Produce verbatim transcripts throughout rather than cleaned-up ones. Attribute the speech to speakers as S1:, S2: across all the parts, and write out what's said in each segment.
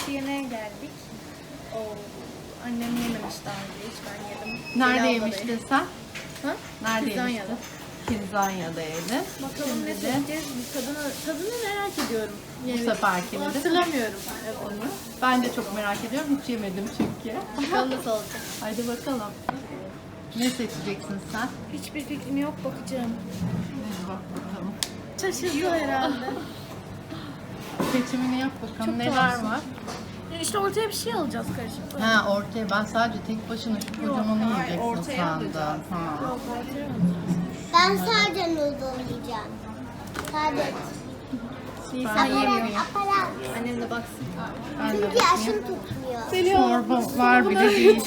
S1: sushi yemeğe geldik. Oo, annem yememiş daha önce hiç, ben yedim.
S2: Nerede
S1: Pilavda
S2: yemiştin
S1: yedim.
S2: sen?
S1: Ha?
S2: Nerede
S1: Kidzanya'da.
S2: yemiştin? Kidzanya'da yedin.
S1: Bakalım ne
S2: Şimdi de
S1: seçeceğiz? Tadını, tadını merak ediyorum.
S2: bu seferkini de.
S1: Hatırlamıyorum onu.
S2: Ben de çok merak ediyorum. Hiç yemedim çünkü.
S1: Bakalım nasıl olacak.
S2: Haydi bakalım. Ne seçeceksin sen?
S1: Hiçbir fikrim yok, bakacağım.
S2: Hadi bak bakalım.
S1: Şaşırdı herhalde.
S2: Seçimini yap bakalım.
S1: Çok
S2: Neler
S1: tuhafsın.
S2: var?
S1: İşte ortaya bir şey alacağız karışık.
S2: Ha ortaya. Ben sadece tek başına şu kocamanı
S1: hayır,
S2: yiyeceksin
S1: ortaya
S2: sandım.
S1: alacağız.
S2: Ha.
S1: Yok, ortaya alacağız.
S3: Ben sadece noodle yiyeceğim. Sadece.
S1: Nisan
S3: Aparat,
S1: yemiyor.
S3: aparat.
S1: Annem de baksın.
S2: Ben de
S3: Çünkü yaşım tutmuyor.
S2: çorba var bile değil.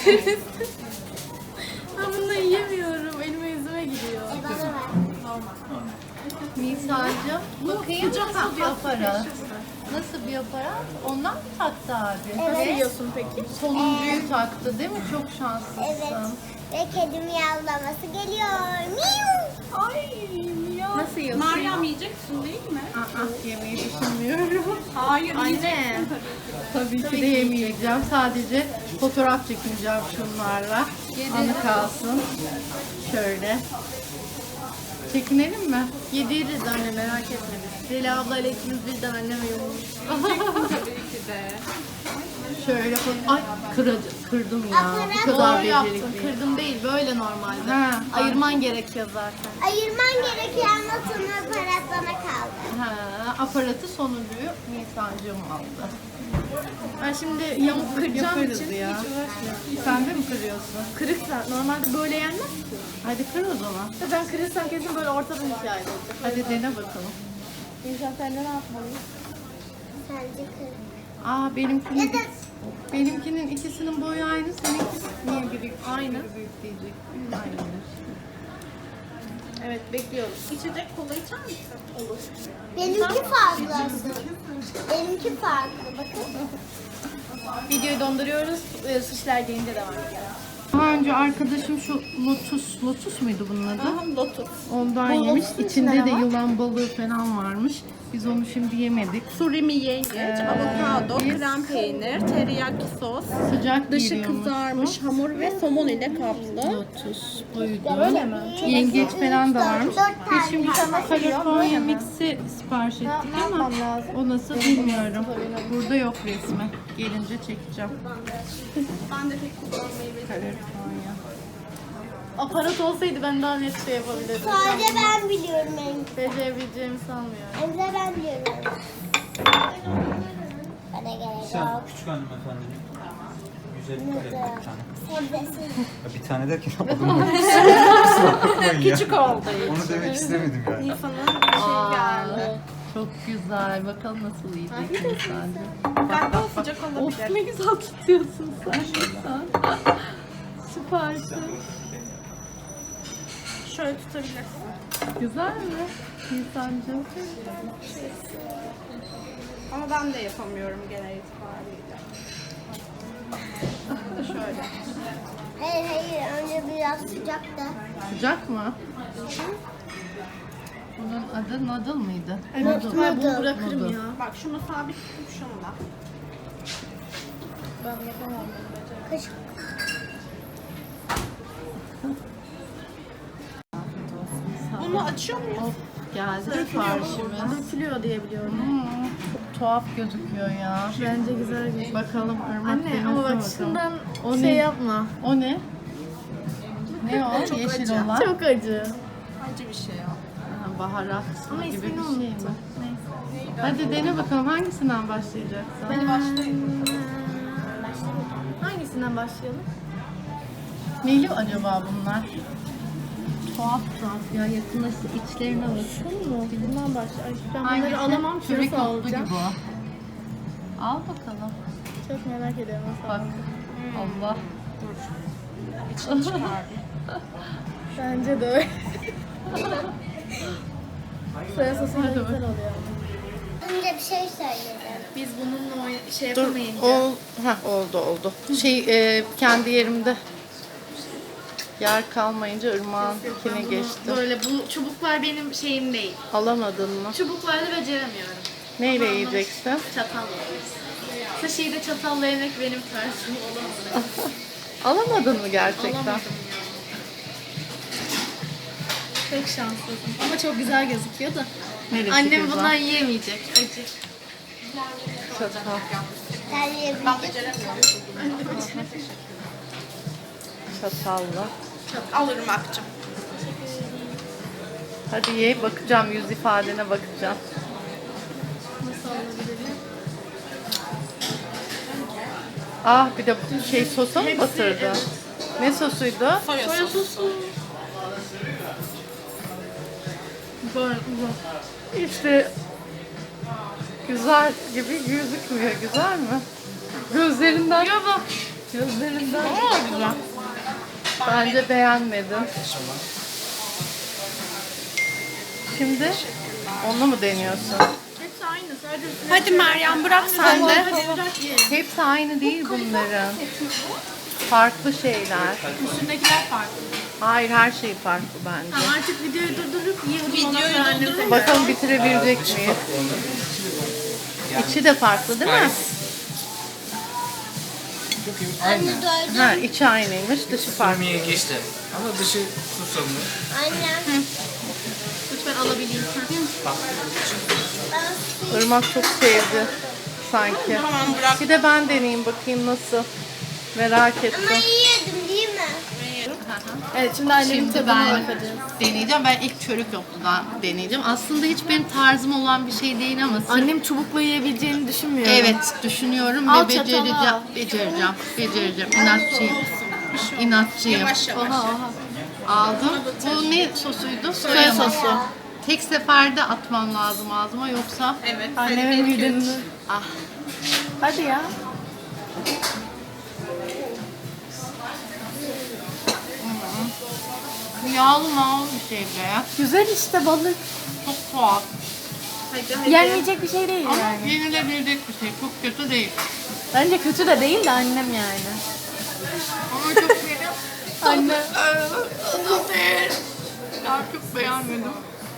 S1: Ben bunu yiyemiyorum. Elime yüzüme gidiyor.
S3: E bana ver.
S2: Nisan'cığım bakayım nasıl bir aparat? Nasıl bir aparat? Ondan mı taktı abi?
S1: Nasıl
S3: Evet.
S1: yiyorsun peki?
S2: Sonuncuyu taktı değil mi? Çok şanslısın.
S3: Evet. Ve kedi miyavlaması geliyor. Miu.
S1: Ay ya. Nasıl yiyorsun?
S4: Meryem yiyeceksin değil mi?
S2: Aa, yemeği düşünmüyorum.
S4: Hayır
S1: Anne.
S2: Tabii ki de yemeyeceğim. Sadece fotoğraf çekineceğim şunlarla. Anı kalsın. Şöyle. Çekinelim mi?
S1: Yediririz anne, merak etme biz. Zeliha ablayla ikimiz birden anneme yumurmuş.
S4: tabii ki de.
S2: Şöyle fo- Ay kıracı, kırdım ya. Bu
S3: Aparat
S2: kadar
S1: Doğru yaptın.
S2: becerikliyim.
S1: Kırdım değil, böyle normalde.
S2: Ha,
S1: Ayırman gerekiyor zaten.
S3: Ayırman gerekiyor ama sonra aparat bana kaldı.
S2: Ha, aparatı sonuncuyu Nisan'cığım aldı.
S1: Ben şimdi yamuk kıracağım
S2: Yaparız
S1: için
S2: ya.
S1: hiç uğraşmıyorum.
S2: Sen de mi kırıyorsun?
S1: Kırıksa normalde böyle yenmez ki.
S2: Hadi kır o zaman.
S1: Ya ben kırırsam kesin böyle ortadan ikiye ayrılacak.
S2: Hadi dene bakalım.
S1: İnsan sen de ne yapmalıyız?
S3: Sence kır.
S2: Aa benimkinin benimkinin ikisinin boyu aynı, seninki niye biri
S1: Aynı.
S2: biri büyük diyecek. Aynıymış.
S1: Evet, bekliyoruz.
S4: İçecek kola içer misin? Olur.
S3: Benimki farklı. Benimki farklı. Bakın.
S1: Videoyu donduruyoruz. E, Sushi'ler gelince devam ediyoruz.
S2: Daha önce arkadaşım şu lotus, lotus muydu bunun adı?
S1: Aha, lotus.
S2: Ondan
S1: Bu
S2: yemiş.
S1: lotusun
S2: İçinde
S1: içinde
S2: de
S1: ne var?
S2: yılan balığı falan varmış. Biz onu şimdi yemedik.
S4: Surimi yengeç,
S2: Ee,
S4: avokado,
S2: biz-
S4: krem peynir, teriyaki sos,
S2: Sıcak
S4: dışı
S2: geliyormuş
S4: kızarmış hamur ve somon ile kaplı.
S2: lotus buydu.
S1: Öyle mi?
S2: Yengeç falan da varmış.
S3: Dört
S2: Biz
S3: tane.
S2: şimdi California mix'i sipariş ettik ama
S1: yapmam lazım?
S2: o nasıl bilmiyorum. Burada yok resmi. Gelince çekeceğim.
S4: Ben de pek kullanmayı
S2: California.
S1: Aparat olsaydı ben daha net şey yapabilirdim.
S3: Sadece ben biliyorum en.
S1: Becerebileceğimi sanmıyorum.
S3: Emre ben biliyorum. Bana gerek
S5: Sen
S3: yok.
S5: küçük hanımefendinin güzel bir kalem bir tane.
S3: Sebzesiz.
S5: Ya bir tane derken alınmadı. Kusura bakmayın ya.
S4: Küçük oldu.
S5: Onu demek istemedim yani.
S4: İnsanın bir şey geldi.
S2: Çok güzel. Bakalım nasıl yiyecek insancığım.
S4: Galiba o sıcak
S2: Of
S4: olabilir.
S2: ne güzel tutuyorsun sen. Nisan. Süpersin.
S4: Şöyle tutabilirsin.
S2: Güzel mi Nisan'cığım?
S4: Ama ben de yapamıyorum genel itibariyle. Şöyle.
S3: Hayır hayır önce biraz sıcak da.
S2: Sıcak mı? Bunun adı noodle mıydı?
S1: Büyük ihtimal bunu bırakırım
S2: Noodle.
S1: ya.
S4: Bak şunu sabit tutup şunu da.
S1: Ben yapamam bunu.
S3: Kaşık.
S4: Bunu açıyor muyuz?
S2: Of geldi siparişimiz.
S1: Dökülüyor diye biliyorum.
S2: Hmm, çok tuhaf gözüküyor ya.
S1: Bence güzel gözüküyor.
S2: Bakalım Irmak
S1: Anne
S2: denesin
S1: ama bak
S2: bakalım.
S1: şundan
S2: O
S1: şey
S2: ne?
S1: yapma.
S2: O ne? Ne o?
S4: Çok
S2: Yeşil
S4: acı.
S2: olan.
S1: Çok acı.
S4: Acı bir şey o.
S2: Ha, baharat
S1: Ama
S2: gibi bir
S1: ismini
S2: şey mi?
S1: unuttum.
S2: Neyse. Hadi dene bakalım hangisinden başlayacaksın?
S4: Hadi başlayın.
S1: Hangisinden başlayalım?
S2: Neyli acaba bunlar? Tuhaf tuhaf ya, yakınlaştı içlerine bakın.
S1: Bunu mu? Bundan başla. Ay, ben
S2: Hangisi?
S1: bunları alamam.
S2: Kübik
S1: Şurası
S2: otlu
S1: alacağım.
S2: gibi o. Al bakalım.
S1: Çok merak ediyorum nasıl
S2: Bak.
S1: olacak.
S2: Allah.
S4: İçini çıkardım.
S1: Bence de öyle. Soya sosu da
S2: Hadi
S1: güzel
S2: bakalım.
S1: oluyor.
S3: Önce bir şey söyledim.
S1: Biz bununla oyn- şey
S2: Dur,
S1: yapamayınca.
S2: ol, heh, oldu oldu. Şey e, kendi yerimde yer kalmayınca Irmak'ınkine geçti.
S1: Böyle bu çubuklar benim şeyim değil.
S2: Alamadın mı?
S1: Çubuklarla beceremiyorum.
S2: Neyle yiyeceksin?
S1: Çatalla. Kaşığı da çatalla yemek benim tarzım olamadı.
S2: Alamadın mı gerçekten?
S1: Alamadım ya. Çok şanslısın. Ama çok güzel gözüküyor da.
S2: Neresi
S1: Annem
S2: güzel?
S1: bundan yiyemeyecek. Acı.
S2: Çatal.
S3: Sen yiyebilecek
S2: Çatalla.
S4: Al Irmak'cığım.
S2: Hadi ye, bakacağım, yüz ifadene bakacağım.
S1: Nasıl alabilirim?
S2: Ah, bir de şey sosa mı
S1: Hepsi,
S2: batırdı?
S1: evet.
S2: Ne sosuydu?
S4: Soya
S1: Soya
S4: sosu.
S1: sosu. Böyle uzun.
S2: İşte güzel gibi gözükmüyor. Güzel mi? Gözlerinden. Gözlerinden.
S4: Aa, güzel.
S2: Bence beğenmedim. Şimdi onu mu deniyorsun?
S1: Hepsi aynı. Sadece üstüne
S4: Hadi Meryem bırak sen de.
S1: hadi bırak ye.
S2: Hepsi aynı değil bunların. Farklı şeyler.
S1: Üstündekiler farklı.
S2: Hayır, her şey farklı bence.
S1: Tamam artık videoyu durdurup yiyelim.
S4: Videoyu
S1: Ondan sonra annem
S4: durdurup-
S1: tekrar-
S2: Bakalım bitirebilecek miyiz? İçi de farklı değil mi?
S3: Anne doydum.
S2: Ha, içi aynıymış, dışı farklı.
S5: Yemeğe geçti. Ama dışı susamlı.
S3: Annem.
S1: Lütfen alabileyim.
S3: Ben
S2: Irmak çok sevdi sanki.
S4: Tamam bırak.
S2: Bir de ben deneyeyim bakayım nasıl. Merak ettim.
S3: ama yiyordum değil mi?
S1: Evet şimdi annemin
S2: Şimdi
S1: tadına
S2: ben
S1: bakacağız.
S2: deneyeceğim. Ben ilk çörük yokludan deneyeceğim. Aslında hiç benim tarzım olan bir şey değil ama sırf-
S1: Annem çubukla yiyebileceğini düşünmüyorum.
S2: evet düşünüyorum
S1: Al
S2: ve
S1: çatalı
S2: becereceğim.
S1: al.
S2: Becereceğim. Becereceğim. İnatçıyım. İnatçıyım.
S4: Yavaş yavaş.
S1: Oha oha.
S2: Aldım. Bu ne sosuydu?
S1: Soya sosu.
S2: Tek seferde atmam lazım ağzıma yoksa
S4: Evet.
S1: Annemin
S4: hadi bir, iki, üç.
S1: mideni.
S2: ah
S1: Hadi ya.
S2: yağlı mağlı bir şey be.
S1: Güzel işte balık.
S2: Çok tuhaf.
S4: Hadi hadi.
S1: Yenmeyecek bir şey değil
S2: Ama
S1: yani.
S2: yenilebilecek bir şey. Çok kötü değil.
S1: Bence kötü de değil de annem yani.
S2: Ama çok yeni.
S1: Anne.
S2: Ya çok beğenmedim.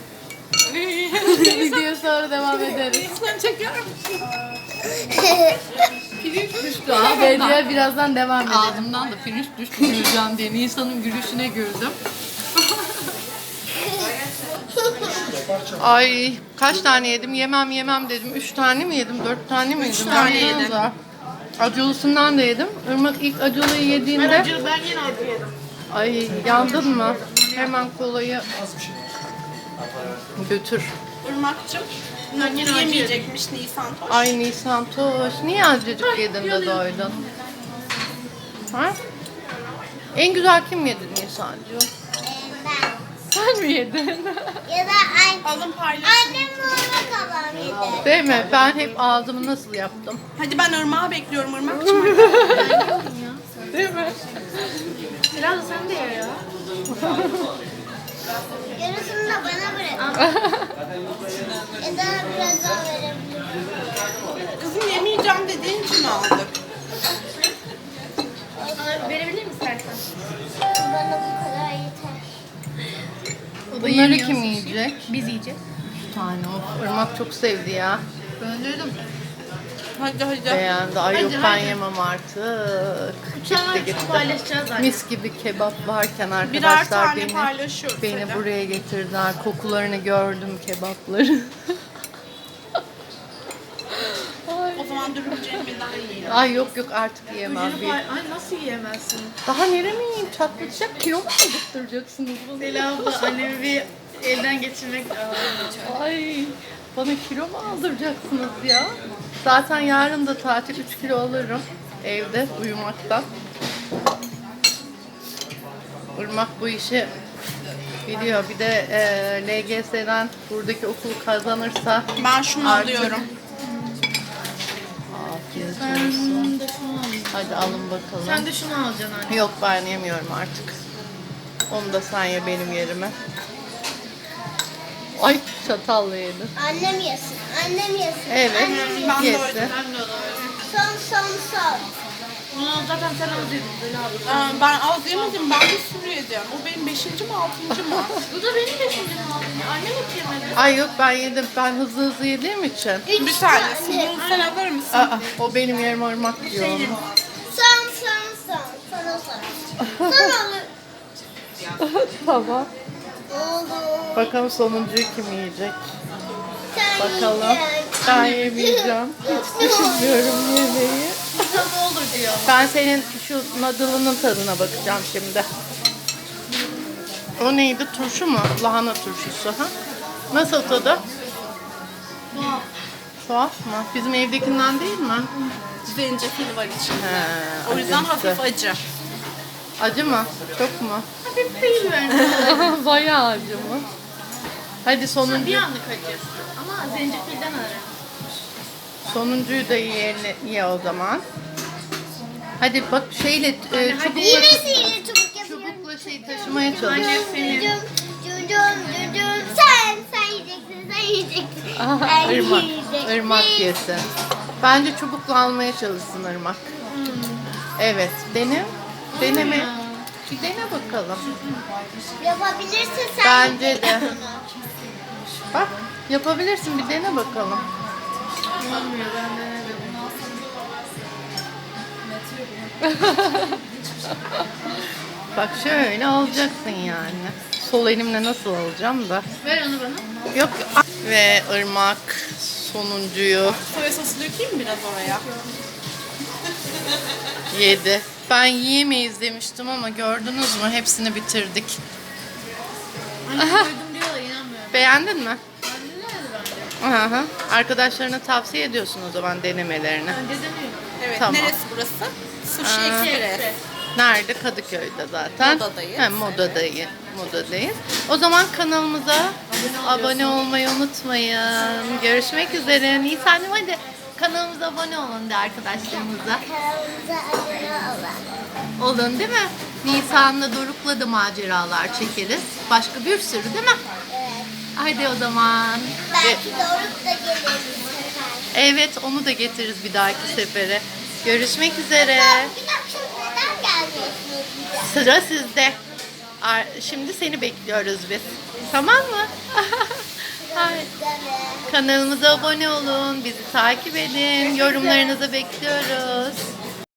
S1: Video sonra devam ederiz.
S4: Sen çeker misin?
S2: Pirinç düştü
S1: Videoya birazdan devam edelim.
S2: Ağzımdan da pirinç düştü güleceğim diye. Nisan'ın gülüşüne güldüm. Ay kaç tane yedim? Yemem yemem dedim. Üç tane mi yedim? Dört tane mi yedim? Üç
S4: tane yedim.
S2: Acılısından da yedim. Irmak ilk acılıyı yediğinde...
S1: Ben yine acı yedim.
S2: Ay yandın mı? Hemen kolayı götür.
S4: Irmak'cığım.
S1: Ben yine acı
S4: Yemeyecekmiş Nisan.
S2: Ay Nisan Toş. Niye azıcık yedin de doydun? Ha? En güzel kim yedi Nisan'cığım?
S3: Ee, ben.
S2: Sen mi yedin?
S3: Ya da anne.
S4: Alın paylaşın.
S3: Annem ona kalan yedi.
S2: Değil mi? Ben hep ağzımı nasıl yaptım?
S4: Hadi ben Irmak'ı bekliyorum Irmak'cığım.
S2: Değil mi?
S1: Biraz da sen de ye ya.
S3: Yarısını da bana bırak. Ya da biraz daha verebilirim.
S4: Kızım yemeyeceğim dediğin için aldık.
S1: Verebilir misin istersen?
S3: Bana bu kadar yeter.
S2: Bunları kim yiyecek?
S1: Biz yiyeceğiz.
S2: Bir tane o. Irmak çok sevdi ya.
S1: Ben dedim.
S4: Hadi hadi.
S2: Beğendi. Ay yok
S1: Hadi,
S2: ben
S1: hadi.
S2: yemem artık.
S1: Uçağa
S2: Gitti gitti.
S1: paylaşacağız zaten.
S2: Mis gibi kebap varken
S4: Birer
S2: arkadaşlar
S4: tane
S2: beni
S4: paylaşıyoruz.
S2: beni
S4: hadi.
S2: buraya getirdiler. Kokularını gördüm kebapları.
S4: O zaman dürümcemden yiyelim.
S2: Ay yok yok artık yiyemem. Bir.
S1: Ay nasıl yiyemezsin?
S2: Daha nereye mi yiyeyim? Çatlatacak kilo mu aldırtacaksınız bunu?
S1: Leyla abla annemi bir elden geçirmek lazım.
S2: Ay bana kilo mu aldıracaksınız ya? Zaten yarın da tatil üç kilo alırım evde uyumaktan. Irmak bu işi biliyor. Bir de e, L G S'den buradaki okulu kazanırsa
S4: Ben şunu
S2: Artık-
S4: alıyorum.
S2: afiyet
S1: Ben
S2: olsun.
S1: bunu da şunu alayım.
S2: Hadi alın bakalım.
S1: Sen de şunu alacaksın anne.
S2: Yok ben yemiyorum artık. Onu da sen ye benim yerime. Ay çatalla yedin.
S3: Annem yesin. Annem yesin.
S2: Evet
S3: Annem yesin.
S4: Ben de
S2: yesin.
S4: öyle.
S1: Ben de alayım.
S3: Son son son.
S1: Bunu zaten sen az yedin Zeli abla.
S4: Aa, ben az yemedim. Ben bir sürü yedim. O benim beşinci mi altıncı mı?
S1: Bu da benim beşincim oldu. Annem hiç yemedi.
S2: Ay yok ben yedim. Ben hızlı hızlı yediğim için.
S4: Bir tanesini sen alır mısın?
S2: Aa, o benim yerim ırmak diyor onu.
S3: Son son son. Sana son. Son olur.
S2: Tamam.
S3: Olur.
S2: Bakalım sonuncuyu kim yiyecek?
S3: Sen
S2: Bakalım.
S3: yiyeceksin.
S2: Ben yemeyeceğim. Hiç düşünmüyorum yemeği.
S1: Tadı olur diyor.
S2: Ben senin şu noodle'ının tadına bakacağım şimdi. O neydi? Turşu mu? Lahana turşusu. Ha? Nasıl tadı?
S1: Tuhaf.
S2: Tuhaf mı? Bizim evdekinden değil mi?
S4: Zencefil var içinde.
S2: He,
S4: O yüzden
S2: acımsı.
S4: hafif acı.
S2: Acı mı? Çok mu?
S1: Hafif değil bence.
S2: Bayağı acı mı? Hadi sonuncu,
S1: Bir anlık acı. Ama zencefilden ararım.
S2: sonuncuyu da yiyelim, ye o zaman. Hadi bak şeyle e, çubukla,
S3: Yemesiyle çubuk yapıyorum.
S2: çubukla şey taşımaya çalış.
S1: Annem senin.
S3: Cucum, cucum, cucum. Sen, sen yiyeceksin, sen yiyeceksin.
S2: Aha,
S3: Sen
S2: ırmak,
S3: yiyeceksin.
S2: ırmak yesin. Bence çubukla almaya çalışsın ırmak. Evet, dene. Deneme. Bir dene bakalım.
S3: Yapabilirsin sen.
S2: Bence
S3: yiyeceksin
S2: de.
S3: bunu.
S2: Bak, yapabilirsin bir dene bakalım.
S1: Olmuyor ben denemedim.
S2: Bak şöyle alacaksın yani. Sol elimle nasıl alacağım da.
S1: Ver onu bana.
S2: Yok. Ve ırmak sonuncuyu
S4: Soya sosu dökeyim mi biraz oraya?
S2: yedi. Ben yiyemeyiz demiştim ama gördünüz mü? Hepsini bitirdik.
S1: Anne koydum diyor da inanmıyorum.
S2: Beğendin mi?
S1: Anne nerede bence?
S2: Hı hı. Arkadaşlarına tavsiye ediyorsun o zaman denemelerini.
S1: Bence demiyorum.
S4: Evet.
S2: Tamam.
S4: Neresi burası? Sushi
S2: Aa.
S4: Express.
S2: Nerede? Kadıköy'de zaten.
S4: Modadayız.
S2: He, modadayız. Modadayız. O zaman kanalımıza abone olmayı unutmayın. Görüşmek üzere. Nisan'cığım hadi kanalımıza abone olun de arkadaşlarımıza.
S3: Kanalımıza abone olun.
S2: Olun değil mi? Nisan'la Doruk'la da maceralar çekeriz. Başka bir sürü değil mi?
S3: Evet.
S2: Hadi o zaman.
S3: Belki Doruk da gelir bu sefer.
S2: Evet onu da getiririz bir dahaki sefere. Görüşmek üzere.
S3: Bir dakika neden gelmiyorsunuz?
S2: Sıra sizde. Ar- Şimdi seni bekliyoruz biz. Tamam mı? Hayır.
S3: Evet.
S2: Kanalımıza abone olun, bizi takip edin, yorumlarınızı bekliyoruz.